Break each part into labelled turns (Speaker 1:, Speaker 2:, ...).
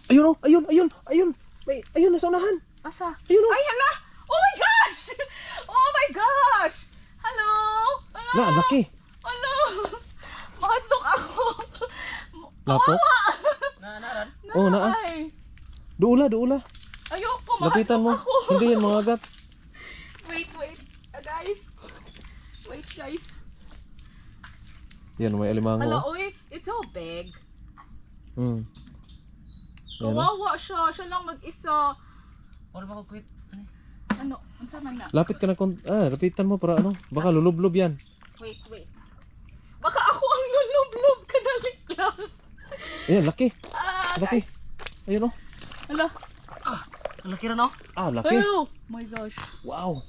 Speaker 1: Ayun oh, ayun. Ayun, nasa unahan.
Speaker 2: Asa?
Speaker 1: Ayun oh.
Speaker 2: Ay, hala! Oh my gosh! Oh my gosh! Hello? Hello?
Speaker 1: Na, ang laki.
Speaker 2: Hello? Mahadlok ako.
Speaker 1: Lapo?
Speaker 3: Naran.
Speaker 1: Oh, naa.
Speaker 2: Ay.
Speaker 1: Duula.
Speaker 2: Ayoko,
Speaker 1: Lapitan mo.
Speaker 2: mahadlok ako.
Speaker 1: Hindi yan mga agat.
Speaker 2: Wait. Guys. Wait, guys.
Speaker 1: Yan, may alimango.
Speaker 2: Hala,
Speaker 1: Oh.
Speaker 2: oy. It's so big.
Speaker 1: Hmm. Yan, oh.
Speaker 2: Kawawa siya. Siya lang mag-isa.
Speaker 3: Wala ba ko quit?
Speaker 2: Ano? Ano man na?
Speaker 1: Lapit ka na lapitan mo para ano. Baka lulublob yan.
Speaker 2: Wait. Baka ako ang lulublob. Kadalik lang.
Speaker 1: Ayan, laki.
Speaker 2: Guys.
Speaker 1: Ayun oh.
Speaker 2: Hala.
Speaker 3: Ang laki rin, no?
Speaker 1: Ah, laki.
Speaker 2: Oh my gosh.
Speaker 1: Wow.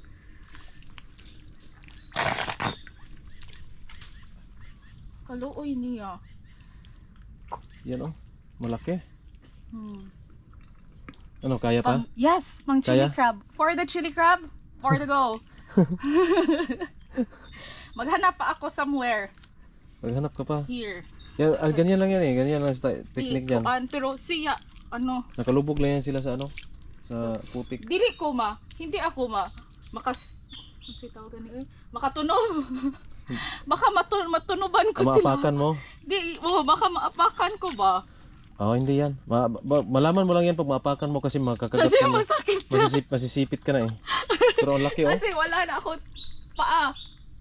Speaker 2: Kaluoy niya.
Speaker 1: Yan oh. Malaki.
Speaker 2: Hmm.
Speaker 1: Ano, kaya pa?
Speaker 2: Yes, pang chili
Speaker 1: Kaya?
Speaker 2: crab. For the chili crab, for the go. Maghanap pa ako somewhere.
Speaker 1: Maghanap ka pa.
Speaker 2: Here.
Speaker 1: Yan, ganyan lang yan eh. Ganyan lang sa technique yan.
Speaker 2: Pero siya, ano,
Speaker 1: Nakalubog lang yan sila sa ano. Sa putik.
Speaker 2: dili ko ma, hindi ako ma. Makatunog. Baka matunuban ko sila.
Speaker 1: Maapakan mo.
Speaker 2: Baka maapakan ko ba?
Speaker 1: Oh, hindi yan. Malaman mo lang yan pag maapakan mo kasi makakagat
Speaker 2: Kasi
Speaker 1: ka na.
Speaker 2: masakit.
Speaker 1: Masisipit ka na eh. Pero ang laki oh.
Speaker 2: Kasi wala na ako paa.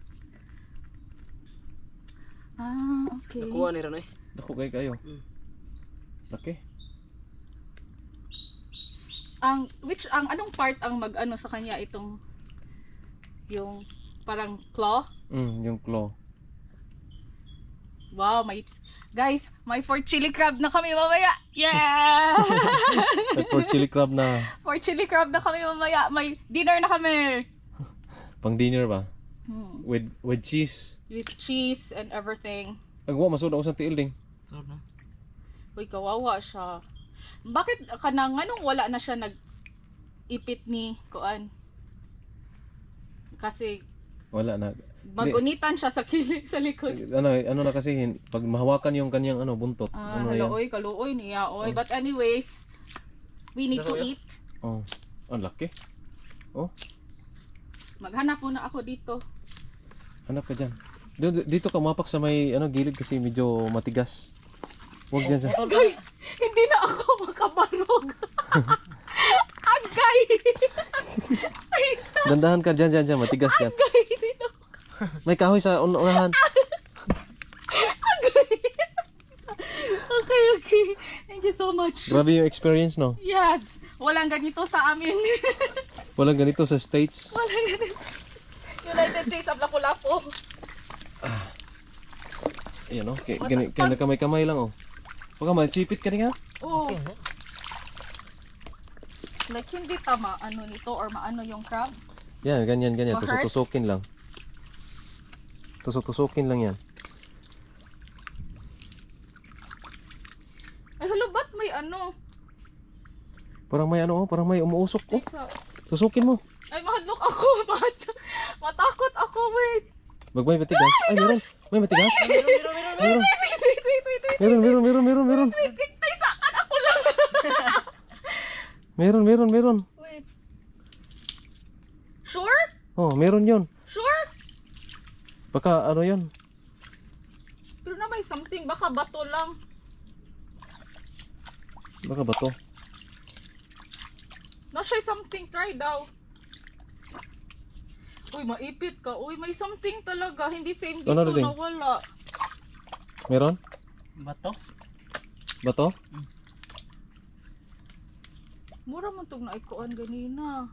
Speaker 2: Okay.
Speaker 3: Nakuha ni Ron, eh.
Speaker 1: Dako kayo. Laki.
Speaker 2: Ang anong part ang mag-ano sa kanya itong yung parang claw?
Speaker 1: Yung claw.
Speaker 2: Wow, guys, may for chili crab na kami mamaya. Yeah!
Speaker 1: For chili crab na.
Speaker 2: For chili crab na kami mamaya. May dinner na kami.
Speaker 1: Pang dinner ba? With cheese.
Speaker 2: With cheese and everything.
Speaker 1: Agwa masud ako sa tiil ding.
Speaker 3: So, no?
Speaker 2: Uy, kawawa siya. Bakit kanang anong wala na siya nag-ipit ni Kuan? Kasi
Speaker 1: Wala na.
Speaker 2: magunitan siya sa kilig sa likod.
Speaker 1: Ano na kasi pag mahawakan yung kanyang buntot. Ano yan?
Speaker 2: Kaluoy, kaluoy niya. Oy, but anyways, we need to eat.
Speaker 1: Oh. Ang laki. Oh,
Speaker 2: Maghanap muna ako dito.
Speaker 1: hanap ka diyan. Dito ka mapak sa may gilid kasi medyo matigas. Huwag diyan sa.
Speaker 2: Guys, hindi na ako makabarog. Agay! Ay,
Speaker 1: Dandahan ka diyan, matigas yan.
Speaker 2: agay din ako.
Speaker 1: May kahoy sa unahan.
Speaker 2: Agay! Okay. Thank you so much.
Speaker 1: Grabe yung experience, no?
Speaker 2: Yes, walang ganito sa amin.
Speaker 1: Walang ganito sa States.
Speaker 2: Walang ganito. United States of Lapu-Lapu.
Speaker 1: Ayan, oh. Kaya kamay-kamay lang, oh. Baka masipit ka rin, ha?
Speaker 2: Oh. Like hindi tama ano nito or maano yung crab.
Speaker 1: Yan, ganyan.
Speaker 2: Ma-hurt?
Speaker 1: Tusok-tusokin lang. Tusok-tusokin lang yan.
Speaker 2: Ay hala, ba't may ano?
Speaker 1: Parang may umuusok, oh.
Speaker 2: Isa.
Speaker 1: Tusukin mo.
Speaker 2: Ay mahadlok ako. Matakot ako, wait.
Speaker 1: May matigas. Ay, meron. May matigas. Meron. Meron.
Speaker 2: Wait, taysakan ako lang.
Speaker 1: Meron.
Speaker 2: Wait. Sure?
Speaker 1: Oh, meron yun.
Speaker 2: Sure?
Speaker 1: Baka ano yun.
Speaker 2: Pero na may something, baka bato lang.
Speaker 1: Baka ba to?
Speaker 2: Na-try something, try daw. Uy, maipit ka. Uy, may something talaga. Hindi same dito
Speaker 1: Ano na din?
Speaker 2: na wala.
Speaker 1: Meron?
Speaker 3: Bato?
Speaker 1: Ba to?
Speaker 2: Mura man tong naikuan ganina.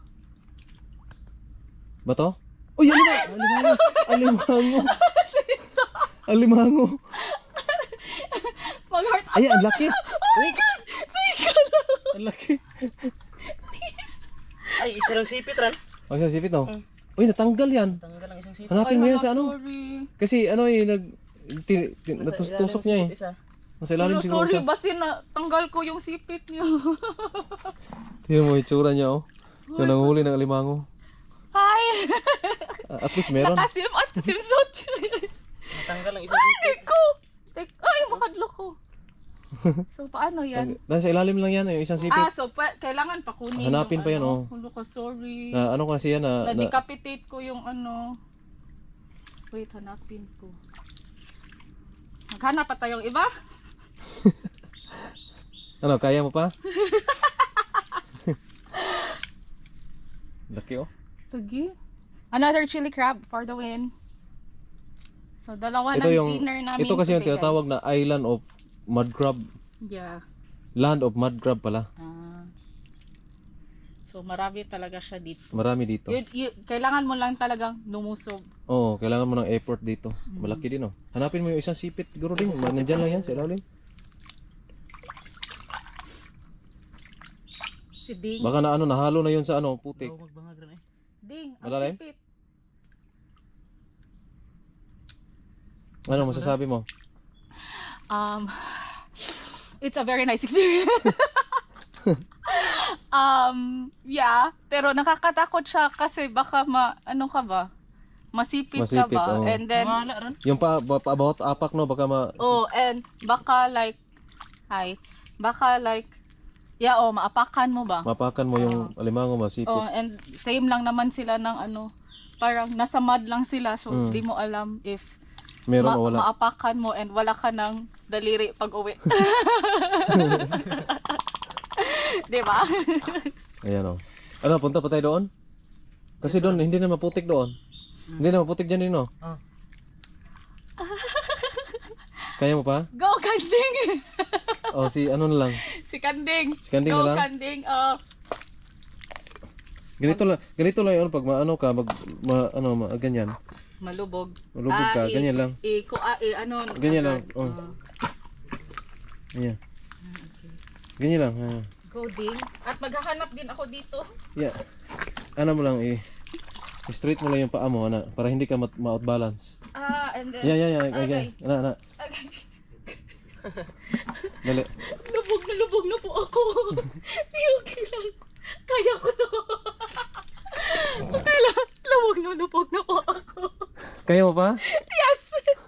Speaker 1: Ba to? Uy, alimango. Alimango.
Speaker 2: Mag-heart
Speaker 1: Ay, ang laki.
Speaker 2: Oh my God! Teka lang!
Speaker 1: Ang laki.
Speaker 3: Ay, isa lang sipit, Ron.
Speaker 1: Ang isang sipit, no? Uy, natanggal yan.
Speaker 3: Tanggal lang isang sipit.
Speaker 1: Hanapin mo yan sa ano?
Speaker 2: Sorry.
Speaker 1: Kasi natusok niya eh.
Speaker 3: Isa.
Speaker 1: Nasa ilalim siguro
Speaker 2: Sorry,
Speaker 1: siya.
Speaker 2: basin na tanggal ko yung sipit niya.
Speaker 1: Tingnan mo yung itsura niya, oh. Yung nanguhuli ng alimango.
Speaker 2: Hi!
Speaker 1: At least meron.
Speaker 2: Nakasim at simsot.
Speaker 3: Natanggal lang isang sipit.
Speaker 2: Ay ko! Ay, makadlo ko. So, paano yan?
Speaker 1: Dahil sa ilalim lang yan, yung isang sipit.
Speaker 2: So, kailangan pakunin
Speaker 1: Hanapin
Speaker 2: yung
Speaker 1: pa yan,
Speaker 2: ano.
Speaker 1: oh.
Speaker 2: Hulo ko, sorry.
Speaker 1: Na ano kasi yan na
Speaker 2: Na-decapitate ko yung ano. Wait, hanapin ko. Maghanap pa tayong iba?
Speaker 1: ano, kaya mo pa? Laki oh.
Speaker 2: Sige. Another chili crab for the win. So, dalawa
Speaker 1: Ito
Speaker 2: ng
Speaker 1: yung
Speaker 2: dinner namin
Speaker 1: ito kasi yung
Speaker 2: today,
Speaker 1: tinatawag
Speaker 2: guys.
Speaker 1: na island of mud crab.
Speaker 2: Yeah.
Speaker 1: Land of mud crab pala.
Speaker 2: So, marami talaga siya dito.
Speaker 1: Marami dito.
Speaker 2: Kailangan mo lang talagang lumusog.
Speaker 1: Oo, kailangan mo ng effort dito. Malaki din oh. Hanapin mo yung isang sipit siguro din. Nandiyan lang yan sa ilalim.
Speaker 2: Si Ding.
Speaker 1: Baka na ano, nahalo na yun sa ano, putik.
Speaker 3: Huwag magbangag rin eh.
Speaker 2: Ding, ang
Speaker 1: Malalim?
Speaker 2: sipit.
Speaker 1: Ano masasabi mo?
Speaker 2: It's a very nice experience. Yeah, pero nakakatakot siya kasi baka ano ka ba? Masipit ka
Speaker 1: Masipit,
Speaker 2: ba?
Speaker 1: oo.
Speaker 2: And then
Speaker 3: Wala rin.
Speaker 1: Yung about apak no, baka
Speaker 2: and baka like maapakan mo ba?
Speaker 1: mapakan mo yung alimango masipit.
Speaker 2: And same lang naman sila ng ano, parang nasa mud lang sila so di mo alam if
Speaker 1: Meron o wala.
Speaker 2: maapakan mo and wala ka ng daliri pag uwi. Di ba?
Speaker 1: Ayan oh. Ano, punta pa tayo doon? Kasi doon, hindi na maputik doon. Hindi na maputik dyan din no?
Speaker 3: Ah.
Speaker 1: Kaya mo pa?
Speaker 2: Go Kanding!
Speaker 1: O si ano na lang.
Speaker 2: Si Kanding!
Speaker 1: Si Kanding
Speaker 2: Go
Speaker 1: na lang?
Speaker 2: Kanding!
Speaker 1: Ganito lang yun pag maano ka, ganyan.
Speaker 2: Malubog.
Speaker 1: Malubog ka, ganyan lang. Ganyan lang. Oh. Ganyan. Ganyan lang.
Speaker 2: Go Ding. At maghahanap din ako dito.
Speaker 1: Yeah. Ano mo lang straight mo lang yung paa mo para hindi ka ma-outbalance.
Speaker 2: And then...
Speaker 1: Yeah.
Speaker 2: Okay.
Speaker 1: Ana.
Speaker 2: Okay.
Speaker 1: Dali.
Speaker 2: Lubog na po ako. Okay lang. Kaya ko to. Okay lang. Lubog na po ako.
Speaker 1: Kaya mo pa?
Speaker 2: Yes!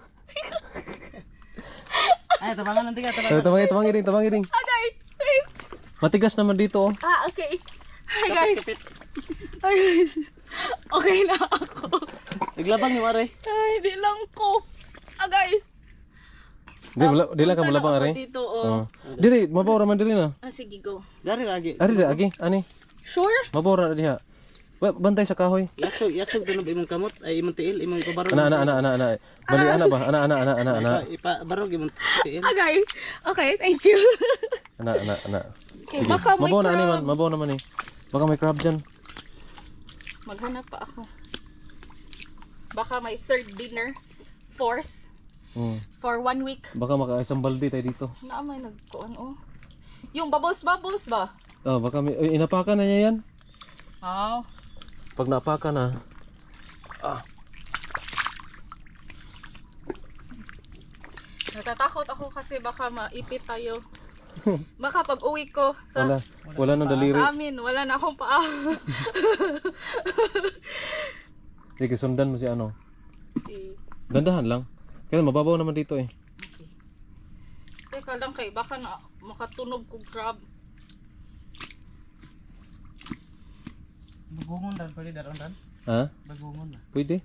Speaker 3: Ay, tabangan nanti ka, tabangan.
Speaker 1: Tabangin din.
Speaker 2: Okay. Wait.
Speaker 1: Matigas naman dito oh.
Speaker 2: Okay. Hi guys.
Speaker 3: Kapit.
Speaker 2: Hi guys. Okay na ako.
Speaker 3: Naglabang yung are.
Speaker 2: Ay, di lang ko. Okay.
Speaker 1: Di lang ka
Speaker 2: Punta
Speaker 1: malabang
Speaker 2: na ako
Speaker 1: are.
Speaker 2: dito,
Speaker 1: Oh. Diri, mabawra man diri na.
Speaker 2: Sige, go.
Speaker 3: Dari lagi.
Speaker 1: Ari agi, ani.
Speaker 2: Sure?
Speaker 1: Mabawra na diha. Bantay sa kahoy.
Speaker 3: Yaksog doon imong kamot, ay imong tiil, imong ipabarog.
Speaker 1: Ana. Bali ana ba? Ana.
Speaker 3: Ipabarog imong tiil.
Speaker 2: Okay, thank you.
Speaker 1: Ana.
Speaker 2: Okay, baka may
Speaker 1: Mabaw na ani man,
Speaker 2: crab.
Speaker 1: mabaw naman eh. Baka may crab dyan.
Speaker 2: Maghanap pa ako. Baka may third dinner. Fourth. For 1 week.
Speaker 1: Baka makaisang balde tayo dito.
Speaker 2: Na may nagkuan oh. Yung bubbles ba?
Speaker 1: Oh, baka may inapakan na niya yan.
Speaker 2: Oh.
Speaker 1: Pag napakan na.
Speaker 2: Natatakot ako kasi baka maipit tayo. Baka pag uwi ko
Speaker 1: Wala nang daliri.
Speaker 2: sa amin, wala na akong paa.
Speaker 1: Sige, sundan mo si ano.
Speaker 2: Si
Speaker 1: Dandahan lang. Kasi mababaw naman dito eh.
Speaker 2: Teka lang kay baka na makatunog ko crab.
Speaker 3: Bagungon dan pwede daron dan.
Speaker 1: Ha?
Speaker 3: Bagungon na.
Speaker 1: Pwede.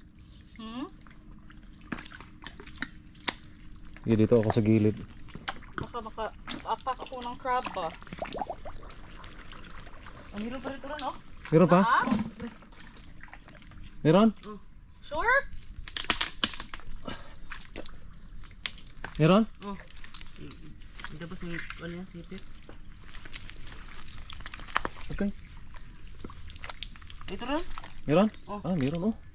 Speaker 1: Sige, dito ako sa gilid.
Speaker 2: Baka maka-apak ako ng crab ba?
Speaker 3: Ang hiro pa rito ron oh.
Speaker 1: Meron pa?
Speaker 2: Ah?
Speaker 1: Meron?
Speaker 2: Sure?
Speaker 1: Meron?
Speaker 3: Oh. Hindi ba si ano yan, sipit?
Speaker 1: Okay.
Speaker 3: Ito ron?
Speaker 1: Meron?
Speaker 3: Oh.
Speaker 1: Meron oh.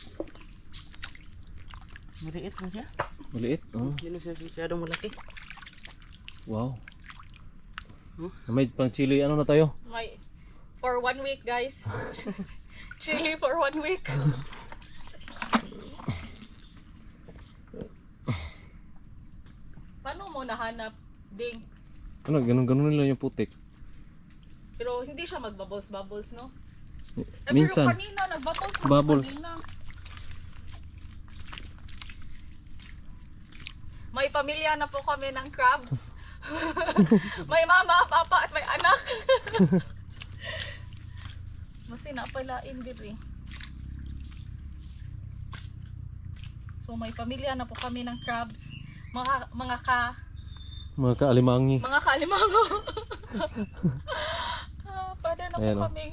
Speaker 3: Maliit na siya.
Speaker 1: Maliit. Oh.
Speaker 3: Hindi na siya masyadong malaki.
Speaker 1: Wow. May pang chili ano na tayo?
Speaker 2: For 1 week guys. Chili for 1 week. Paano mo nahanap, Ding?
Speaker 1: Ano, ganun lang yung putik.
Speaker 2: Pero hindi siya magbubbles, no?
Speaker 1: Minsan.
Speaker 2: Pero kanina, nagbubbles na
Speaker 1: Bubbles.
Speaker 2: kanina. May pamilya na po kami ng crabs. May mama, papa, at may anak. Masin na palain diri. So may pamilya na po kami ng crabs. Mga
Speaker 1: Kaalimangi.
Speaker 2: kaalimango. Pada na
Speaker 1: Ayan,
Speaker 2: po
Speaker 1: oh.
Speaker 2: kami.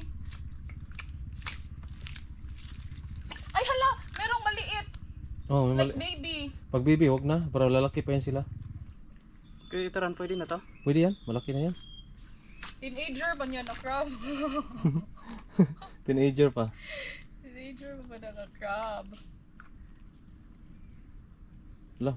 Speaker 2: Ay hala, merong maliit.
Speaker 1: Oh, may
Speaker 2: Like baby.
Speaker 1: Pag baby, wag na. Para lalaki pa yan sila.
Speaker 3: Kaya ito ran, pwede na to?
Speaker 1: Pwede yan. Malaki na yan.
Speaker 2: Teenager ba niya na crab?
Speaker 1: Teenager pa.
Speaker 2: Teenager ba na crab?
Speaker 1: Wala.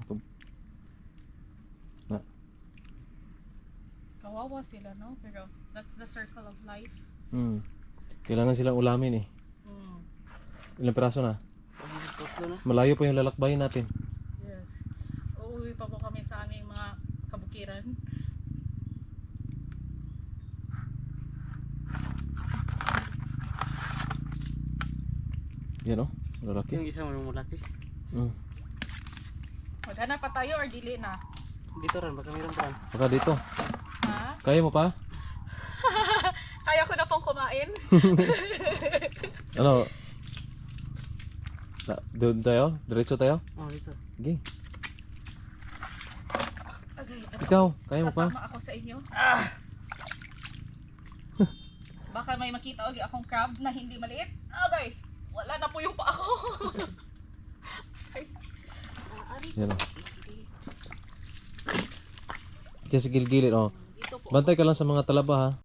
Speaker 2: Kawawa sila, no? Pero that's the circle of life.
Speaker 1: Kailangan silang ulamin eh.
Speaker 2: Mm.
Speaker 1: Ilang piraso na?
Speaker 3: Tatlo na.
Speaker 1: Malayo pa yung lalakbayin natin.
Speaker 2: Yes. Uuwi pa po kami sa aming mga kabukiran.
Speaker 1: Yan oh. Lalaki.
Speaker 3: Yung isa mo malaki.
Speaker 2: Maghanap pa tayo or dili na?
Speaker 3: Dito ran, baka mayroon pa ran.
Speaker 1: Saka dito.
Speaker 2: Ha?
Speaker 1: Kaya mo pa?
Speaker 2: Kaya ko na pong kumain.
Speaker 1: Ano? Doon tayo? Diretso tayo?
Speaker 3: Oh, dito.
Speaker 1: Sige.
Speaker 2: Okay,
Speaker 1: Ikaw, kaya mo pa?
Speaker 2: sasama ako sa inyo. Baka may makita ulit akong crab na hindi maliit. Okay. Wala na po yung pa ako.
Speaker 1: Yan oh. Diyan sa gilid-gilid oh.
Speaker 2: Dito po.
Speaker 1: Bantay ka lang sa mga talaba ha.